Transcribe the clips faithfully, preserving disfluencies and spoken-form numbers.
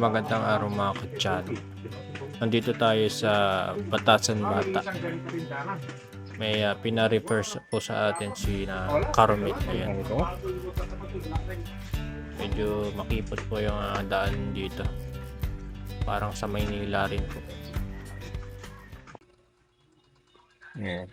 Magandang araw mga kutsan. Nandito tayo sa Batasan Bata. May uh, pina-refer po sa atin si na Karmit. Ayan. Medyo makipot po yung uh, daan dito. Parang sa Maynila rin po. Ayan.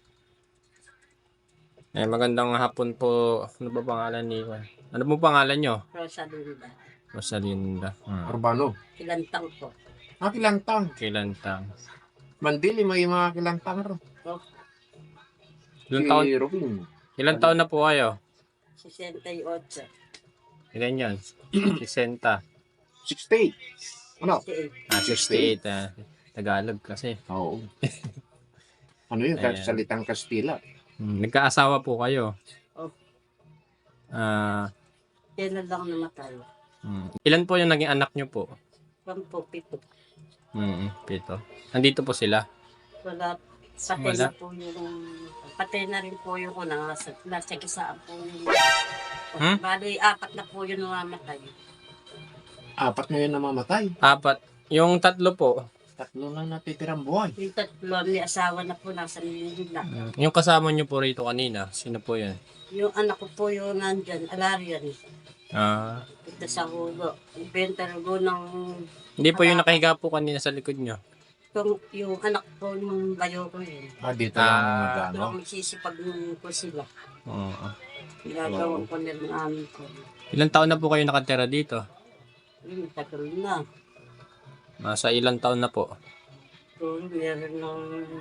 Eh, magandang hapon po. Ano ba pangalan ni Ano po pangalan nyo? Rosalinda. Rosalinda. Hmm. Urbano. Kilantang po. Ah, kilantang. Kilantang. Mandili, may mga kilantang ro. Oh, Ilang taon, Si Robin. ilang taon na po kayo? sixty-eight. Ilan yan? sixty. sixty. Ano? sixty-eight. Ah, sixty-eight. Ah. Tagalog kasi. Oo. Ano yun? Ayan. Salitang Kastila. Hmm. Nagkaasawa po kayo? Oh. Ah, Kailan lang namatay. hmm. Ilan po yung naging anak nyo po? One po, pito. Hmm, pito. Nandito po sila? Wala. Patay Wala. na po yung... Patay na rin po yung unang nasa, nasa kisaan po yung... Hmm? Bali, apat na po yung namamatay. Apat na yun namamatay. Apat. Yung tatlo po? Tatlo lang natitirang buhay. Yung tatlo, may asawa na po, nasa Manila. Hmm. Yung kasama nyo po rito kanina, sino po yan? Yung anak ko po yung nandyan, Alarian. Ah, Ito sa hulo. Benta ko ng... hindi po yung nakahiga po kanina sa likod nyo. Yung, yung anak ko yung bayo ko yun. Ah, dito Ah. lang Ano? magano. Magsisipag ko sila. Oo. Ginagawa ko nila namin ko. Ilang taon na po kayo nakatira dito? Yun, tagal na. Nasa ilang taon na po? So, meron ng...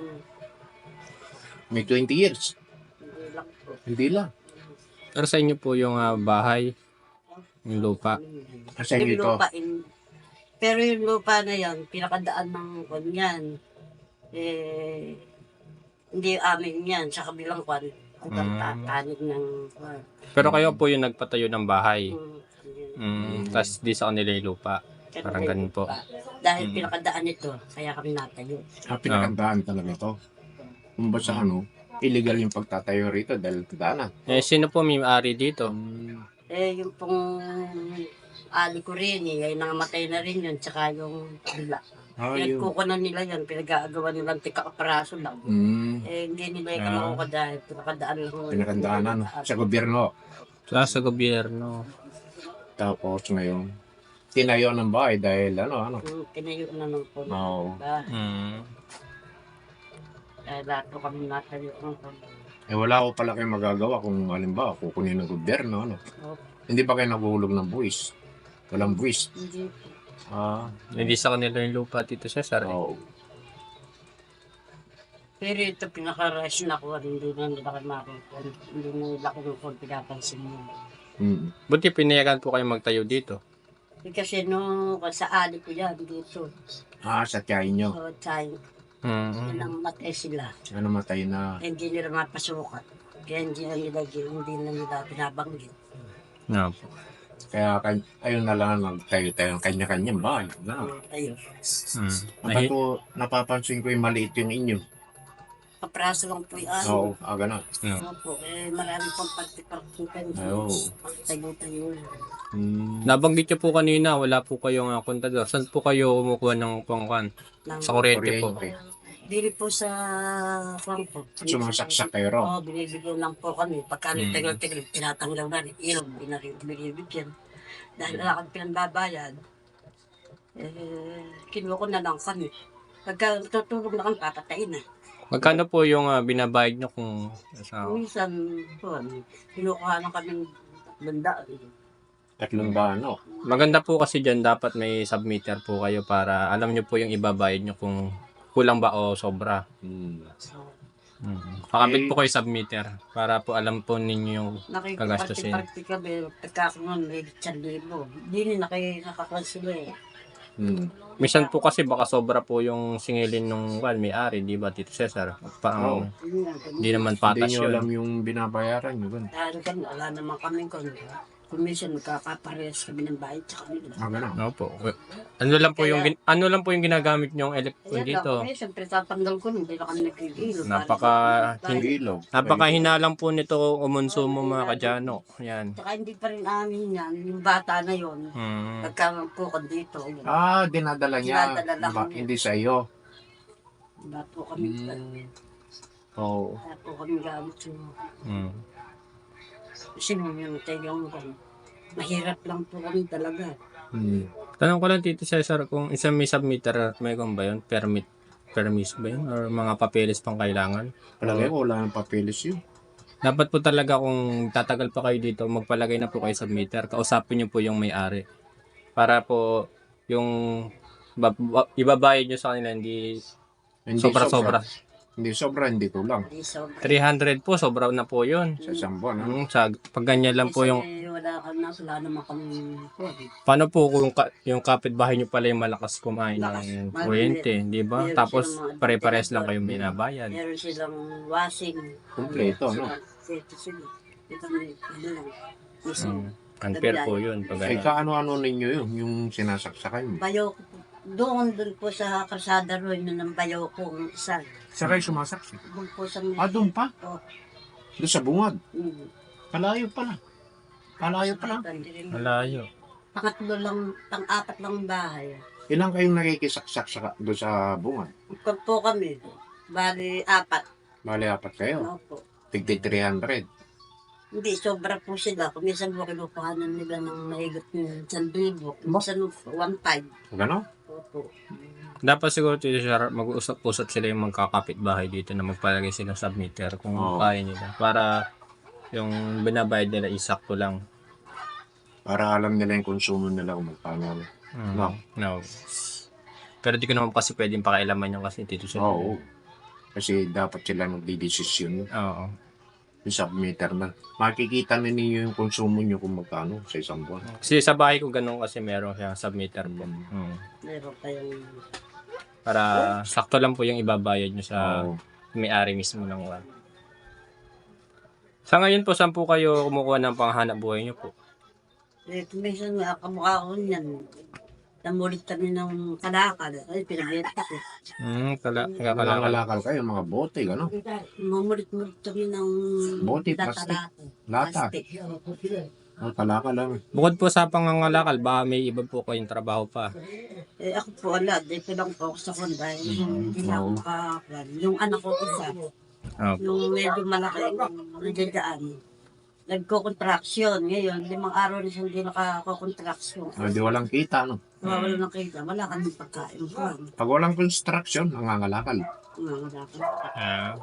May twenty years. Hindi lang po. Hindi lang. Pero sa inyo po yung ah, bahay, yung lupa. Kasi Yung ito. lupa in... Pero yung lupa na yan, pinakadaan ng kwan yan. Eh, hindi amin yan. Sa kabilang kwan. Hanggang Mm. tatanig ng kwan. Pero kayo po yung nagpatayo ng bahay. Mm. Mm, Tapos di sa kanila yung lupa. Kaya Parang may ganun po. lupa. Dahil Mm. pinakadaan ito, kaya kami natayo. Ah, pinakandaan talaga ito. Kung ba sa ano, illegal yung pagtatayo rito dahil daanan. Eh, sino po may-ari dito? Eh, yung pong ali ko rin eh, ay nangamatay na rin yun, tsaka yung kabila. Ah, yun. Pinagkukunan nila yun, pinag-aagawa nilang tika-kaparaso lang. Mm, Eh, hindi nila yung Ah. kamukuha dahil pinakadaan lang. pinakandaanan sa gobyerno. Sa, sa gobyerno. Tapos ngayon, tinayo ng bahay dahil ano, ano. Yung tinayo na ng puno. Oo. Diba? Mm. Dahil lahat po kami natayo ng puno. Eh wala ko pala kayo magagawa kung halimbawa kukunin ng gobyerno, ano. Oh, Hindi ba kayo naguhulog ng buwis? Walang buwis. hindi. Ah, Hindi sa kanila yung lupa, Tito Cesar. Eh. oo. Pero ito pinaka-rush na ko, hindi na nila kayo makikita. Hindi na nila ko kung pinapansin mo. Mm. Buti pinayagan po kayo magtayo dito. Eh, kasi no, sa ali ko yan dito. Ah, sa tiyahin nyo. So, tayo, Mm. yun ang matay sila. Ano matay na. Hindi nila mapasukan. Kaya hindi na nila, hindi na nila binabanggit. No, po. Kaya kan- ayun na lang nagtayo-tayo ng kanya-kanyang bahay. Ano? Ayun. Mm. Ba't Nahi- ko napapansin ko yung maliit yung inyo? Kapraso lang po yan. Oo, ah, gano'n. no. Opo, eh, marami pang pagtiparkitan. Ay, oo. Tayo-tayo. Hmm. Nabanggit niyo po kanina, wala po kayong uh, kontador. Saan po kayo kumukuha ng pangkwan? Ng- Sa kuryente po. Kuryente. Dili po sa Frankfurt. Sumasaksak kayo ro. Oo, binibigyan lang po kami. Pagka Mm. tagal-tagal, tinatanggal na rin. Ilog, binibigyan. Dahil wala kang pinagbabayad, eh, kinuha ko na lang kami. Pagka tutulog na kami, papatayin na. Magkano po yung uh, binabayad niyo kung sa... Minsan, po, kinukuha na kami banda. Tatlong ba, ano? Maganda po kasi dyan, dapat may submitter po kayo para alam niyo po yung ibabayad niyo kung kulang ba o sobra. Hmm. Mm. Pakabit po kayo submitter para po alam po ninyo yung Kagastusin. Nakikiparte-parte kami, pagka ako nun, may isang libo. Hindi na kayo nakakansila eh. Hmm. minsan po kasi baka sobra po yung singilin nung well, may-ari, di ba, Tito Cesar? Parang Oo. Yun nga, hindi naman Hindi patas nyo yun. alam yung binabayaran nyo. Ganun. dahil kan, wala naman kami kung Kuminsan magkakaparehas kami ng bahay tsaka nila. Ah, gano'n. Opo. Ano lang po yung gin- ano lang po yung ginagamit niyong electric Ayan dito? lang, kuminsan tatanggal ko, hindi na kami nag-iilo. Napaka- Hindi. Ilog. Napakahina lang po nito umonsumo mga kadyano. Yan. Tsaka hindi pa rin amin yan, yung bata na yon. Mm. Pagkakukan dito, yun. Ah, dinadala niya. Dinadala lang Ba- niya. hindi sa iyo. Wala po kami, Mm. Oo. wala po kami gamit yung, Mm. kasi nung yung tayong ko, mahirap lang po kami talaga. Hmm. Tanong ko lang Tito Cesar kung isang may submitter, may kung ba yun? Permit, permis ba yun? Or mga papeles pang kailangan? Palagay ko wala nang papeles yun. Dapat po talaga kung tatagal pa kayo dito, magpalagay na po kayo submitter. Kausapin niyo po yung may-ari. Para po yung ba- ba- ibabayad niyo sa kanila, hindi Hindi sobra-sobra. Hindi sobra, hindi kulang. Hindi sobra. three hundred po, sobra na po yun. Sa isang buwan, ano? Mm, sa, pag ganyan lang po yung... Kasi wala kami na, wala naman kami po. Paano po kung ka, yung kapitbahay niyo pala yung malakas kumain Lakas. ng Mal- kuryente, di ba? meron Tapos silang mga pare-pares lang ventilador. kayong binabayad. Meron silang washing. Kumpleto, no? Ito sila. Ito may, ano lang. Isang Mm. Unfair po yun. Pag Ay, ano. kaano-ano ninyo yun, yung sinasaksakan mo. bayo ko po. Doon, doon po sa kalsada roon, yun ang bayo ko, ang isa. Sa kayo sumasaksak? Doon po sa... Ah, doon pa? Oh. Doon sa bungad. Mm. Kalayo pala. Kalayo pala. Malayo. Pangatlo lang, pang-apat lang ang bahay. Ilang kayong nakikisaksak sa, doon sa bungad? Kung po kami, bali apat. Bali, apat kayo. Ano po. Tigdi three hundred. Hindi, sobra po sila. Kung minsan po kinukuhanan nila ng mahigit ng sandubo. Kung minsan one five. Gano'n? Opo. Dapat siguro Tito Cesar, mag-usap-usap sila yung magkakapit bahay dito na magpalagay silang submitter kung Oo. kaya nila. Para yung binabayad nila isakto lang. Para alam nila yung konsumo nila kung magkano. Mm. No. No. Pero di ko naman kasi pwedeng pakialaman yung kasi Tito Cesar. Oo. Kasi dapat sila magdidesisyon Oo. yung submitter na. Makikita na ninyo yung konsumo nyo kung magkano sa isang buwan. Kasi sa bahay ko ganun kasi meron siyang submitter po. Mm. Meron kayong... Para sakto lang po yung ibabayad nyo sa Oo. may-ari mismo ng one. Sa ngayon po, saan po kayo kumukuha ng panghanap buhay nyo po? Eh, kung minsan nga kamukha ko niyan. Namulit kami ng kalakal. Ay, pinabenta ko. Hmm, kala, kala, Nakalakal kayo, mga bote, gano'n. Mamulit-mulit kami ng... Bote, plastic. Lata. Plastic. Oh, kalakal lang. Bukod po sa pangangalakal, ba may iba po kayong trabaho pa? Eh, ako po, wala. Dito lang po ako sa konday. Hindi na ako Oo. makakakuan. Yung anak ko isa, Oh. yung medyo malaki, nandiyan nagko-contraction. Ngayon, limang araw na siya hindi nakako-contraction. Oh, di walang kita, no? Wala na kita. Wala kami pagkain. Wala. Pag walang construction, nangangalakal. Wala ka. Ah.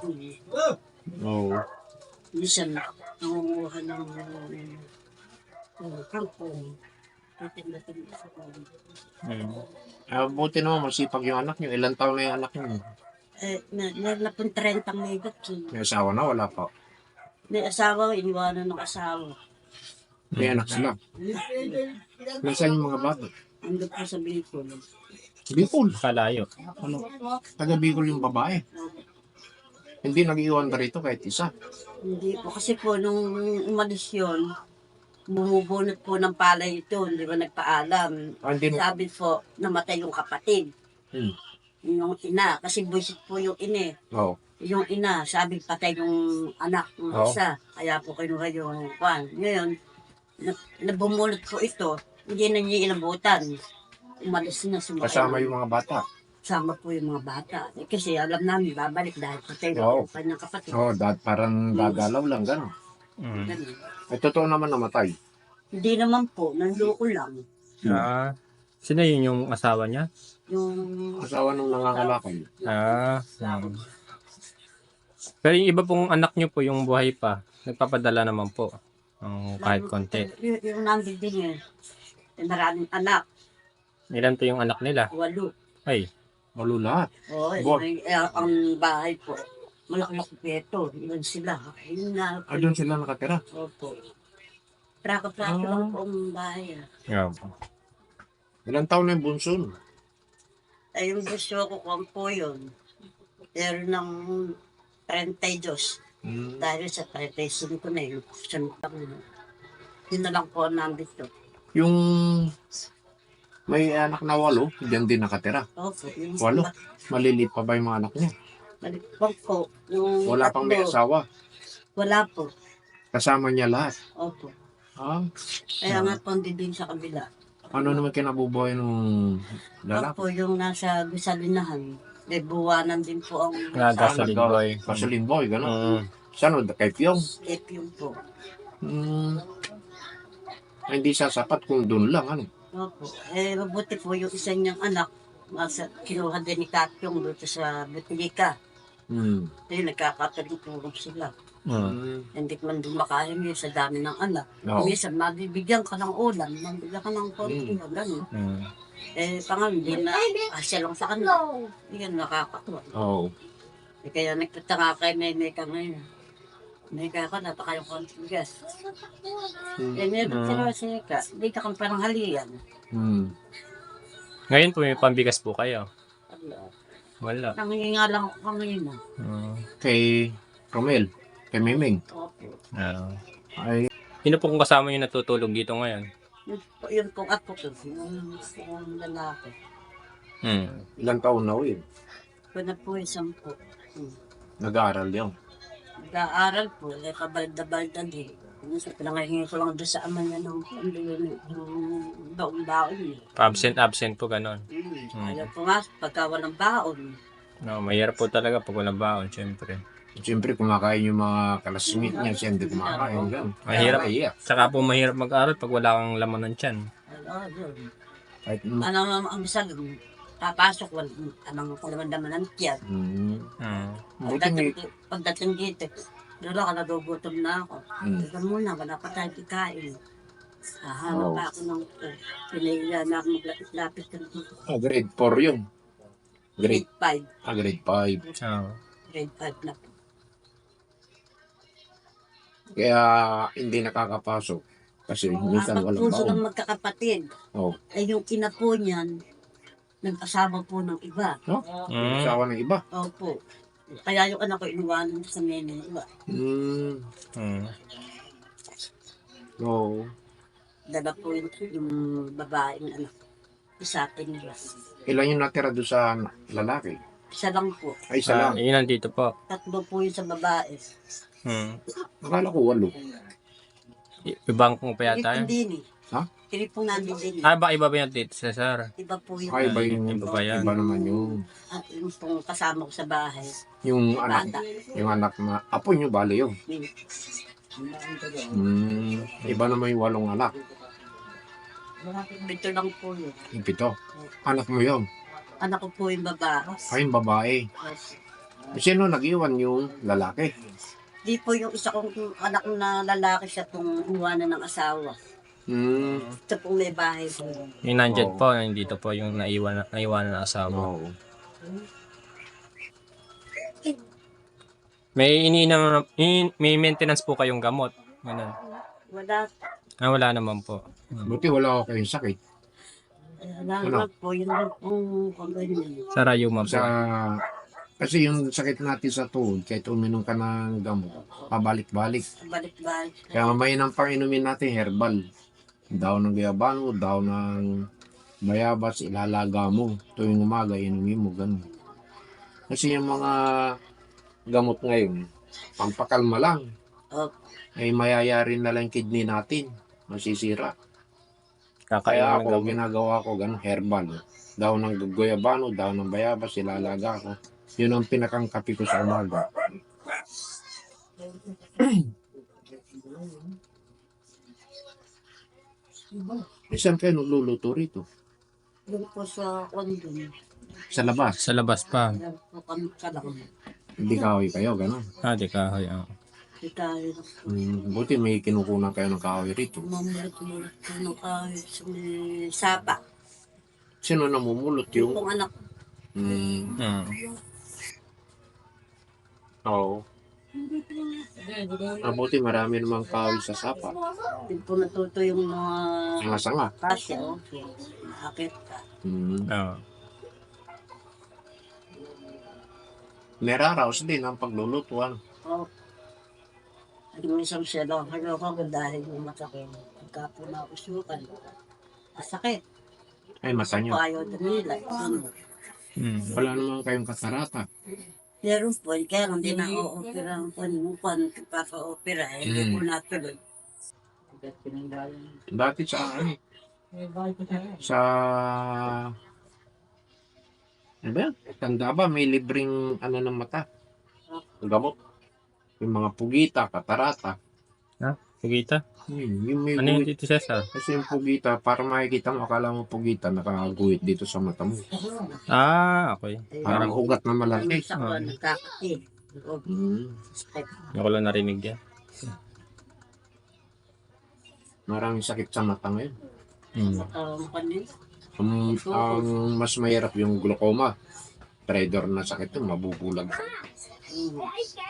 Oo. Minsan, nangunguha ng uh, kangkong. Titinda-tinda sa kong. Hmm. Ah, buti naman, masipag yung anak nyo. Ilang taon na yung anak nyo? Eh, na- meron na pong thirty may gatsi. May asawa na, wala pa. May asawa, iniwanan ng asawa. May anak sila. Nasaan yung mga bata? Ando po sa Bicol. Bicol. Kalayo. Ano? Taga Bicol yung babae. Hindi nag-iwan ka rito kahit isa. Hindi po, kasi po, nung umalis yun, bumubunot po ng palay ito, hindi ba nagpaalam. Ah, hindi na. Sabi po, namatay yung kapatid. Hmm. Yung ina, kasi buisit po yung ine. Oo. Yung ina, sabi patay yung anak ng Oo. isa. Kaya po kinuha yung kwan. Ngayon, na, nabumulot po ito, hindi na niya inabutan. Umalis na sumakay. Kasama yung mga bata. Kasama po yung mga bata. Eh, kasi alam namin, babalik dahil patay na Oo. yung kanyang kapatid. Oo, oh, parang gagalaw lang, gano'n. Hmm. Ganun. Eh, totoo naman namatay. Hindi naman po, nanloko lang. Ah. Sino yun yung asawa niya? Yung Asawa nung nangangalakal. Ah. Hmm. Pero yung iba pong anak nyo po, yung buhay pa, nagpapadala naman po. Ang kahit konti. Yung, yung nandun din eh. Eh, maraming anak, Ilan po yung anak nila? walo. Ay. Walo lahat. Oo, eh, Bo- may- eh, ang bahay po, malaki-laki peto. Ilan sila. Yun na. Ah, doon sila nakatira. Opo. Praka-praka Ah. lang po ang bahay. ah. Yeah. Ilang taon na yung bunso? no? Ay, yung gusto ko kung po yun. Pero ng thirty-two. Hmm. Dahil sa thirty-five na yun. Siyang taon. Yun na lang po ang nandito. Yung may anak na walo, diyan din nakatira. Opo. Yung Walo? Maliliit pa ba yung mga anak niya? Malikpag po. Yung Wala pang may tatlo, asawa. wala po. Kasama niya lahat. Opo. Ah, Kaya nga po hindi din sa kabila. ano naman kinabubuhay nung lalaki? Opo, yung nasa Bisalinahan. May buwanan din po ang Nga, gasoline nagka- boy. Gasoline boy, gano'n. Mm. Saan o? Kay Pyong? F yung po. Hmm. Ay, hindi sasapat kung doon lang, ano? Opo. Eh, mabuti po yung isa niyang anak. Nasa, kinuha din ni Tatyong doon sa Butilika. Hmm. Ayun, nagkakatulong sila. Mm. Hmm. Hindi ko man dumakayang yun sa dami ng anak. Oo. Minsan, mabibigyan ka ng ulam, mabibigyan ka ng konti, Mm. gano'n. Mm. Eh, pangal, hindi na, asya lang sa kanila. Yan, nakakatuwa. Oo. Eh, kaya nagpunta nga kay Nene ka ngayon. Nene ka, napaka yung konting gas. Hmm. Eh, meron Mm. sila siya ka, hindi ka kang parang haliyan. Hmm. Ngayon po may pambigas po kayo. Wala. Wala. Nangingi nga lang ako ngayon. ah. Mm. Kay Romel, kay Miming. Opo. Ah. Ay, Sino po kung kasama yung natutulog dito ngayon? Yun, po- yun pong apo ko, yung, yung lalaki. Mm. ilang taon na ho yun. Ko na po yung sampu. Hmm. Nag-aaral yun. Nag-aaral po, eh, kabalda-balda din. Minsan, pinangahingi ko lang doon sa ama niya ng ano yun, yung baon-baon niya. Absent-absent po ganon. Hmm. Mm. Ayaw po nga, pagka walang baon. No, mahirap po talaga pag walang baon, syempre. Siyempre, kumakain yung mga kalasmit niya. Siya hindi kumakain. Ganun. Mahirap. Kaya naiyak. Saka po mahirap mag-aral pag wala kang laman ng tiyan. Ano, yun. Kahit, Ano, ang bisa, papasok, wal, anong kalaman-laman ng tiyan. hmm. Mm. Buti may, Pagdating, pagdating dito, doon ako, nagugutom na ako. Hmm. Ika muna, wala pa tayo kikain. Hahanap Oh. pa ako ng uh, pinahiya na ako maglapit-lapit ka ng ah, grade four yun. Grade, grade five. ah, grade five. Oh. Grade five na po. Kaya hindi nakakapasok. Kasi minsan Ang walang puso baon. ng magkakapatid, Oh. ay yung ina po niyan, nag-asawa po ng iba. No? Mm. Asawa ng iba. Opo. Kaya yung anak ko inuwanan sa nene ng iba. Hmm. Mm. Oo. Dala po yung, yung babaeng anak. Isa atin nila. Ilan yung natira doon sa lalaki? Isa lang po. Ay, isa Ah, lang. yun nandito po. Tatlo po yung sa babae. Mm. Akala ko walo. I- Ibang kung pa yata yun. Hindi ni. Ha? Hindi po nandun din. Ah, ba iba ba yan dito, Cesar? Iba po yung, Ay, iba yung Iba ba yan? Iba naman yung, at yung pong kasama ko sa bahay. yung anak. Bata. Yung anak na, apo nyo bali yun. Hmm. Hmm. Iba naman yung walong anak. Ito lang po yun. Yung pito. Anak mo yun. Anak ko po yung babae. Ay, yung babae. Sino nag-iwan yung lalaki? Di po yung isa kong anak na lalaki siya pong iwanan ng asawa. Hmm. Ito pong may bahay po. Yung nandyan Oo. po, yung dito po yung naiwan, naiwan ng asawa. Oo. May iniinang, in, may maintenance po kayong gamot. Ganun. Wala. Ah, wala naman po. Mm. Buti wala ako kayong sakit. Wala Ano? naman po. Yun lang pong kaganyan. Sa rayuma po. Sa, kasi yung sakit natin sa tuhod, kahit uminom ka ng gamot, pabalik-balik. Balik-balik. Kaya mamaya ng panginumin natin, herbal. Daw ng gayabano, daw ng bayabas, ilalaga mo. Tuwing umaga, inumin mo, ganun. Kasi yung mga gamot ngayon, pampakalma lang. Oh, Ay mayayari na lang yung kidney natin. Masisira. Kakain Kaya ng ako, gamot. ginagawa ko ganun, herbal. Daw ng guyabano, daw ng bayabas, ilalaga ko. Yun ang pinakang kape ko sa umaga. Isang kayo nagluluto rito? doon po sa kondom. Sa labas. Sa labas pa. Alam po kami ka lang. Hindi kahoy kayo, gano'n. Ah, di kahoy. Ah. Di tayo Hmm, buti may kinukunan kayo ng kahoy rito. mamulit-mulit po ng kahit sa may sapa. Sino namumulot Yung yung... pong anak. Hmm, Mm. oo. Mabuti marami namang kahoy sa sapa. Din po natuto yung mga Mga sanga. kasya. Okay. Nakakit ka. Hmm. Ah. Neraraos din ang pagluluto. Ano? Oh. At yung isang siya lang, ano ko dahil yung masakit. Pagka po nausukan, masakit. Ay, mata niyo. Ayaw dumila. Ano. Mm. Wala naman kayong katarata. Meron po, kaya hindi na o-opera ang panupan, papa-opera, eh, hindi Mm. po natuloy. Dati sa ano, sa ano ba yan? Tanda ba, may libreng ano ng mata? Gamot. Yung mga pugita, katarata. Pugita? Hmm, yung may Ano yung guhit. Tito Cesar? Kasi yung pugita, para makikita mo, akala mo pugita, nakaguhit dito sa mata mo. Ah, okay. Parang ugat na malaki. Sa ko, nagkakati. O, Hmm. sakit. Hindi ko lang narinig yan. Maraming sakit sa mata ngayon. Mm. Um, kanin. Ang, ang mas mahirap yung glaucoma. Traitor na sakit yun, mabubulag. Mm.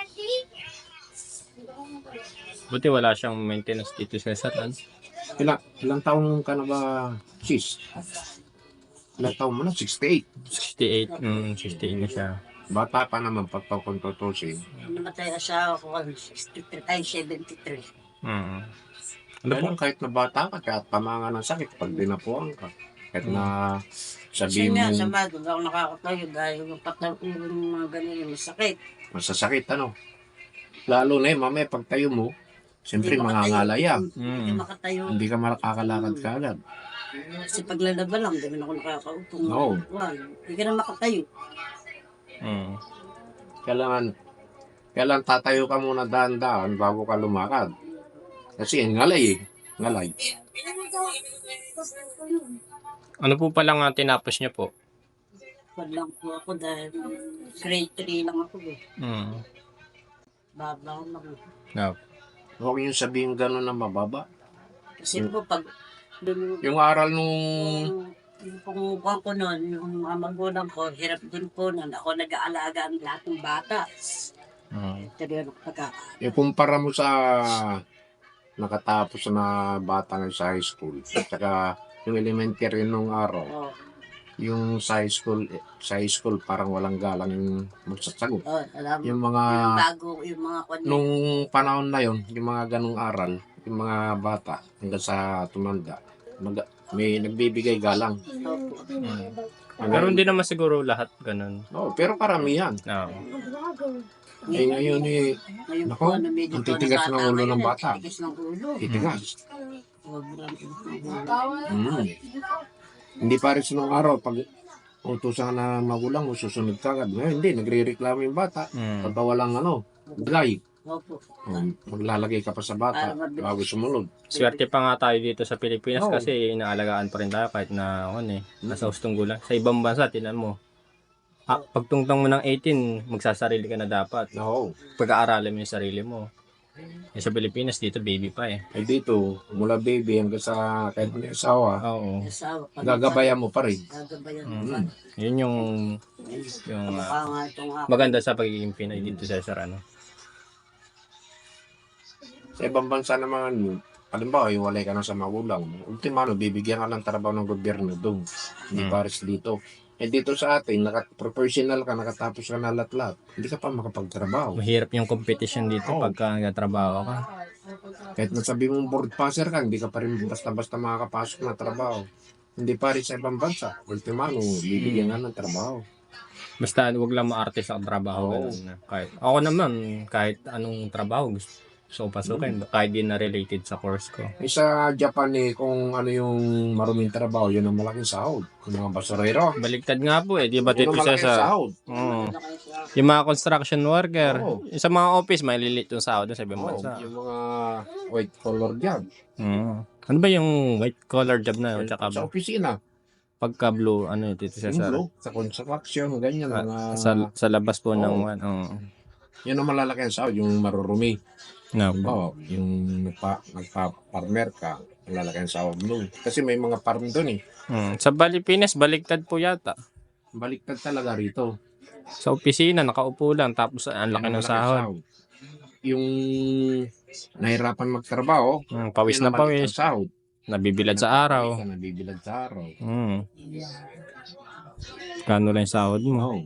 Buti wala siyang maintenance Tito Cesar. Ano? Ilang, ilang taong ka na ba, sis? Ilang taong mo na? sixty-eight. sixty-eight. Mm, sixty-eight na siya. Bata pa naman pagpakontutusin. Namatay asawa ko ang sixty-three, ay seventy-three. Mm. Ano Ano po? kahit na bata ka, kahit pamanga ng sakit, pag dinapuan ka. Kahit na Kasi sabihin nga, sa mo, bago, ako nakakatayo dahil yung patang yung mga ganun yung masakit. masasakit, ano? Lalo na yun, mamaya pag tayo mo, siyempre Hindi makatayo. mangangalaya. Hindi ka Mm. makatayo. Hindi ka makakalakad ka agad. Kasi paglalaba lang, hindi man ako nakakaupo. Oo. Hindi ka na makatayo. Mm. Kailangan, kailangan tatayo ka muna dahan-dahan bago ka lumakad. Kasi ngalay eh. Ngalay. Ano po pala nga tinapos niyo po? Wala lang po ako dahil grade three lang ako eh. Mm. Baba lang. No. Huwag yung sabihin gano'n na mababa. Kasi po pag dun, Yung aral nung yung, yung pumukuhan ko noon, yung mga magulang ko, hirap din po noon. Ako nag-aalaga ang lahat ng bata. Mm. Pero yung pagka, ikumpara mo sa nakatapos na bata ng sa high school. At saka yung elementary nung araw. oh, Yung sa high school, sa high school parang walang galang yung magsasagot. oh, alam mo, Yung yung mga, bago, yung mga kwan, nung panahon na yon, yung mga ganong aral, yung mga bata hanggang sa tumanda, mag, may nagbibigay galang. Opo. Mm. Pero hindi naman siguro lahat ganun. Oh, pero karamihan. No. Eh ngayon eh, Ngayon Nako, po, ano, medyo ang po titigas ng nakatama ulo yun ng eh. bata. Titigas ng ulo. titigas. Sobrang ulo. Mm. Hindi pares nung araw, pag utusan ka na magulang mo, susunod ka agad. Ngayon hindi, nagre-reklamo yung bata. Mm. Pagka walang ano, dry, Opo. um, maglalagay ka pa sa bata bago sumunod. Swerte pa nga tayo dito sa Pilipinas Oo. kasi inaalagaan pa rin tayo kahit na ano eh, nasa hustong gulang. Sa ibang bansa, tinan mo. Ah, pagtungtong mo ng eighteen, magsasarili ka na dapat. Oo. Pag-aaralan mo yung sarili mo. Eh, sa Pilipinas, dito baby pa eh. Ay dito, mula baby hanggang sa kahit may asawa, Oo. Asawa. Pag- gagabayan mo pa rin. Gagabayan. Mm. Yun yung yung ah, Mukha nga itong ako. maganda sa pagiging Pinoy dito sa Cesar, ano. Sa ibang bansa naman, halimbawa, iwalay ka na sa magulang mo. Ultimano, bibigyan ka ng trabaho ng gobyerno doon. Hindi Hmm. pares dito. Eh dito sa atin, naka, professional ka, nakatapos ka na lahat-lahat. Hindi ka pa makapagtrabaho. Mahirap yung competition dito Oo. pagka nagtatrabaho ka. Kahit nasabi mong board passer ka, hindi ka pa rin basta-basta makakapasok na trabaho. Hindi pa rin sa ibang bansa. Ultimano, bibigyan ka ng trabaho. Basta wag lang maarte sa trabaho. Oo. Ganun na. Kahit, ako naman, kahit anong trabaho gusto so pasukin, kahit di na related sa course ko. Eh, sa Japan eh, kung ano yung maruming trabaho, yun ang malaking sahod. Yung mga basurero. Baligtad nga po eh, di ba Yun Tito ang malaking Cesar? sahod. Oo. Wala kayo sa- Yung mga construction worker, Oo. yung sa mga office, maliliit yung sahod sa ibang Oo, bansa. yung mga white collar job. Mm. Ano ba yung white collar job na yun? Tsaka Sa opisina. pagka blue, ano yung Tito Yung Cesar? blue, sa construction, ganyan. Ah, mga, sa, sa labas po Oo. ng ano. yun ang malalaki ang sahod, yung marurumi. No. Halimbawa, yung nagpa, nagpa-farmer ka, malalaki ang sahod mo. Kasi may mga farm doon eh. Mm. Sa Pilipinas, baligtad po yata. Baliktad talaga rito. Sa opisina, nakaupo lang, tapos ang laki Yan ang ng malaki ang sahod. Yung nahirapan magtrabaho, Mm, pawis yun na ang maliit pawis. ang sahod. Nabibilad sa araw. Ka nabibilad sa araw. Mm. Kano lang yung sahod mo? Oo.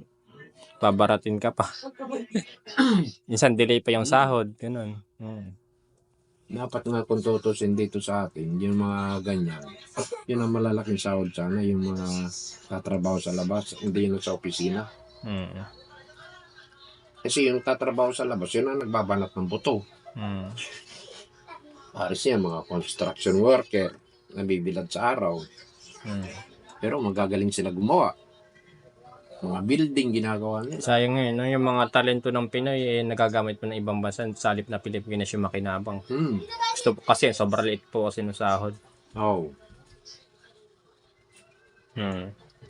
Babaratin ka pa. Minsan delay pa yung sahod. Ganun. Mm. Dapat nga kung tutusin dito sa atin, yung mga ganyan, yun ang malalaking sahod sana, yung mga tatrabaho sa labas, hindi yun sa opisina. Mm. Kasi yung tatrabaho sa labas, yun ang nagbabanat ng buto. Mm. Para siya, mga construction worker, nabibilad sa araw. Mm. Pero magagaling sila gumawa. Mga building ginagawa nila. Sayang ngayon, no? Yung mga talento ng Pinoy, eh, nagagamit po ng ibang bansa, sa halip na Pilipinas yung makinabang. Hmm. Gusto po kasi, sobrang liit po kasi ng sahod. Oh. Hmm.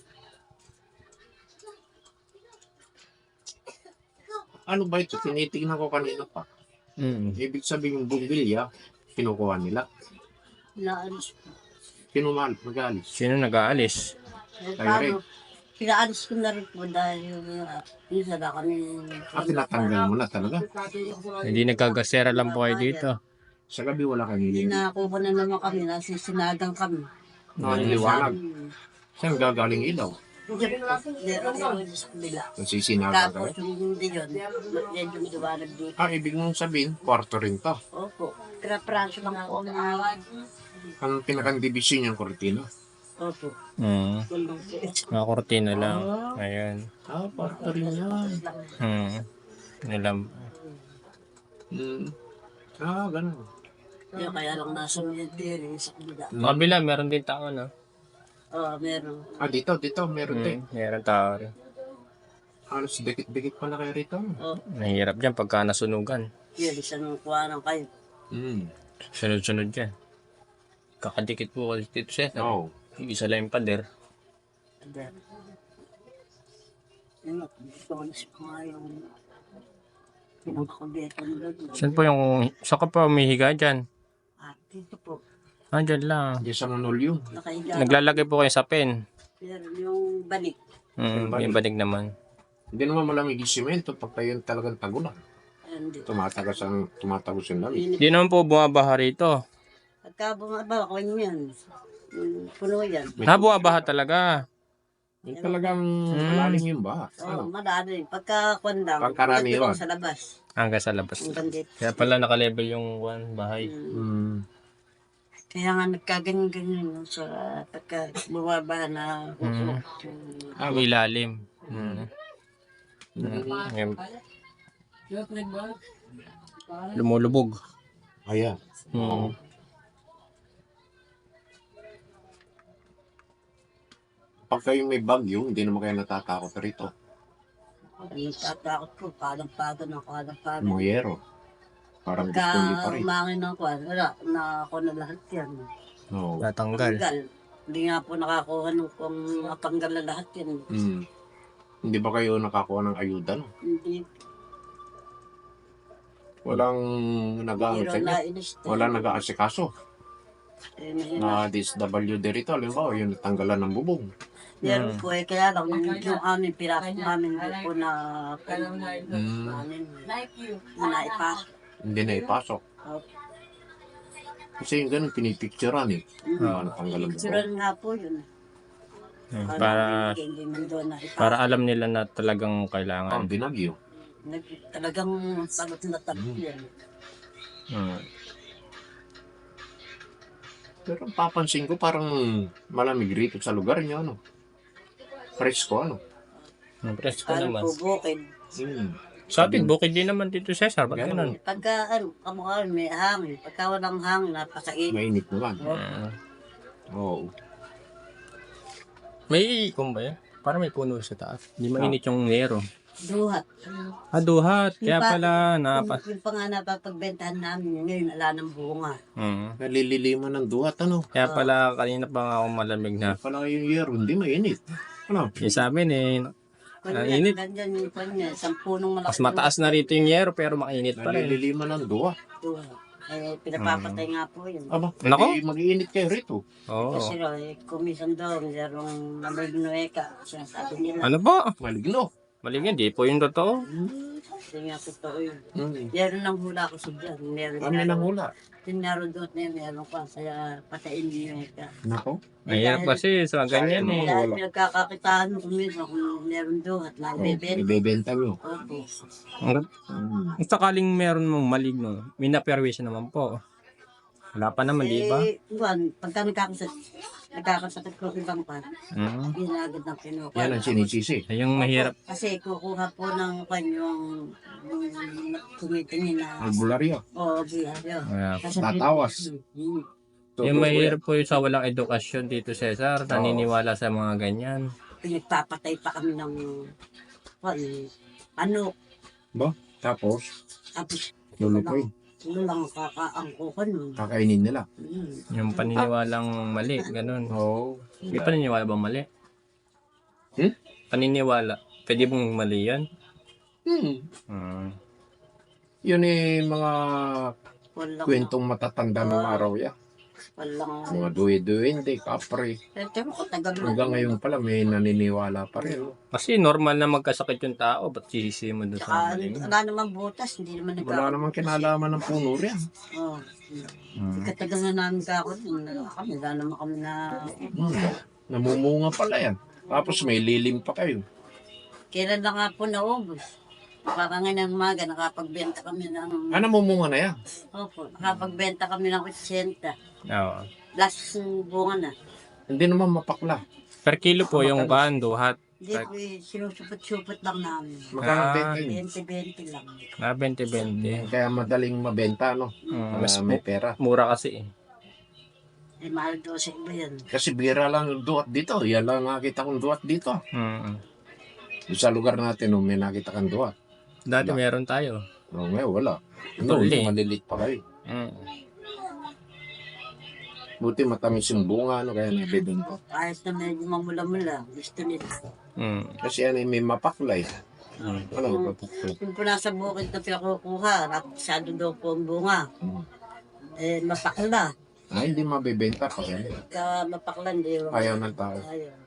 Ano ba ito? Tinitingnan ko kanina pa. Mm. Ibig sabihin yung bumbilya, kinukuha nila. Pinaalis ko. Kinumal, magalis. Sino nag-aalis? Eh, Tayo rin. paano? Pinaalis ko na rin po dahil uh, minsan na kami. Ah, tinatanggal mo na talaga. Hindi nagkagasera lang po kayo dito. Sa gabi wala kang Hindi hingin. na ako na naman kami, nasisinagang kami. Ah, liwanag. Saan gagaling ilaw? Hindi po, meron po sa kabila. Nasisinaga Tapos ka. yung hindi yun, medyo liwanag dito. Ah, ibig mong sabihin, kwarto rin to. Opo, kira-pransyo lang po ang awad. Ang pinakandibisyon yung kortina. Opo, Mm. yun lang po. Mga kortina lang. Ayan. Ah, kwarto rin yan. Hmm. Nilam. Hmm. Ah, ganun. Kaya kaya lang nasa military sa kabila. Sa kabila, meron din tao, no? Oo, meron. Ah, dito, dito, meron din. Hmm. Meron tao rin. Halos dikit-dikit pala kayo rito. Oo, Mahirap dyan pagka nasunugan. yun, isang kuha ng kayo. Hmm. Sunod-sunod dyan. Kakadikit po kasi dito siya. Oo. Isa lang yung pader. And then, yun nga, gusto ko na si mga yung pinakakubeto nila doon. Saan po yung... Saan ka pa umihiga dyan? Ah, dito po, Ah, dyan lang. Diyan sa Manol yun. nakahiga. Naglalagay po kayo sa pen. Meron yung banik. Hmm, yung banig naman. Hindi naman malamig yung simento pag tayo talagang tagulan. And Tumatagas ang, tumatagos yung lamig. init. Hindi naman po bumabaha rito. Pagka bumaba, kung yan, yung puno yan. Ha, bumabaha talaga. Yung talagang malalim yung baha. Oo, Ano? madami. Pagka kwandang, Pagkaraniwan. nandun sa labas. Hanggang sa labas. Hanggang dito. Kaya pala naka-level yung one bahay. Mm. Hmm. Kaya nga nagkaganyan-ganyan no, sa pagka bumaba na Mm. Ah, Ang ilalim. Hmm. hmm. Ngayon, lumulubog. Ayan. Hmm. Pag kayo may bagyo, hindi naman kayo natatakot rito. Ang tatakot ko, padang-padan ng padang-padan. Mga yero. Parang Pagka gusto pa rin. umangin ng kwan, wala, nakakuha na lahat yan. No. Natanggal. Tanggal. Hindi nga po nakakuha nung kung natanggal na lahat yan. Hmm. Hindi ba kayo nakakuha ng ayuda? No? Hindi. Walang nag-ano Pero sa inyo? nainis. Walang nag-aasikaso Eh, mahina. na D S W D rito. Alam mo, yung natanggalan ng bubong. Meron po eh, kaya lang yung, yung amin, pirasok namin hindi po na Hmm. namin na naipasok. Hindi na ipasok. Oh, Kasi yung ganun, pinipicturean eh. Ah, natanggalan ng bubong. Sural nga po yun. Hmm, Para Para hindi man doon na ipasok. para alam nila na talagang Ang kailangan. binagyo. Nag, talagang sagot na tagot yan. Hmm. Pero papansin ko parang malamig rito sa lugar niyo, ano? Presko, ano? Ang presko Ano naman. po, bukid. Hmm. Sa atin, bukid din naman dito, Cesar. Ba't ganun? Pagka ano, kamukha may hangin. Pagka walang hangin, napakainit. Mainit naman. Hmm. Oo. May ikon ba yan? Parang may puno sa taas. Hindi mainit yung nero. Duhat. Ah, duhat. Kaya Yung pa- pala, napa... Yung, yung pa nga napapagbentahan namin, ngayon ala ng bunga. Hmm. Nalililiman ng duhat, ano? Kaya pala, kanina pa nga ako malamig na. Pala yung year, hindi mainit. Ano? Yung sa amin eh, Kanya, Ang init. Ganyan yung kanya, sampunong malaki. mas mataas na rito yung yero pero mainit pa rin. Nalililiman ng duhat. Duhat. Eh, pinapapatay nga po yun. Aba, Nako. eh, mag-iinit kayo rito. Oo. Kasi raw, eh, kumisan daw, mayroong namagnueka. Sinasabi nila. Ano ba? Maligno. Maligyan, di po yung totoo. Hindi nga totoo yun. Hmm. Meron ng hula ko sa dyan. Meron Ano nga. lang hula? Yung meron doon na yun, meron pa. Kaya patayin niyo eka. Nako. Mahirap kasi sa ganyan eh. Dahil pinagkakakitaan mo kumisan kung meron doon at Oh, naibibenta. ibebenta mo. Opo. Ang Hmm. ang sakaling meron mong maligno, may naperwisyo naman po. Wala pa naman, di ba? Eh, buwan, pagka nagkakasat, nagkakasakit ko ibang pa, Mm. ginagad ng kinuha. Yan ang sinisisi. Ay, yung mahirap. Kasi kukuha po ng kanyang yung tumitingin na Albularyo. o biyaryo. Kaya, Tatawas. Hmm. yung mahirap po yung sa walang edukasyon dito, Cesar. Naniniwala sa mga ganyan. Pinagpapatay pa kami ng kwan, ano, Tapos, tapos lulukoy. ano lang kakaangkukan nun. Kakainin nila. Hmm. Yung paniniwalang mali, ganun. Oo. May paniniwala bang mali? Hmm? Paniniwala. Pwede bang mali yan? Hmm. Hmm. Yun eh, mga Walang, kwentong matatanda ng araw yan. walang, Mga duwe-duwende, kapre. Pero ko tagal na. Hanggang ngayon pala may naniniwala pa rin. oh. Kasi normal na magkasakit yung tao. Ba't sisisi mo doon Tsaka sa mali mo? wala naman butas, hindi naman nagkakaroon. Wala namang kinalaman ng puno rin. Oo. Hmm. Katagal na namin kako, kami, wala naman kami na, Hmm. Namumunga pala yan. Tapos may lilim pa kayo. kailan na nga po naubos. Parang ngayon ng umaga, nakapagbenta kami ng, Ah, namumunga na yan. opo, nakapagbenta kami ng kutsenta. Oo. Last bunga na. Hindi naman mapakla. Per kilo po yung kando, hat. Hindi po, eh, sinusupot-supot lang namin. Magkano Ah. benta yun? twenty-twenty lang. Na twenty twenty. Kaya madaling mabenta, no? Mm, Para mas may mu- pera. mura kasi eh. Eh, mahal daw sa iba yan. Kasi bira lang yung duwat dito. Yan lang nakita kong duwat dito. Mm. Doon sa lugar natin, no, may nakita kang duwat. Dati meron tayo. No, ngayon wala. No, Tuli. ito malilit pa kayo. Mm. Buti matamis yung bunga, no, kaya nabibenta. Kahit na medyo mamula-mula, gusto nila. Mm. Kasi yan ay may mapaklay. Mm. Ano, mapaklay. Yung po nasa bukid na pinakukuha, masyado daw po ang bunga. Hmm. Eh, mapakla. Ay, hindi mabibenta pa yan. Kaya mapakla, hindi. Ayaw ng tao. Ayaw.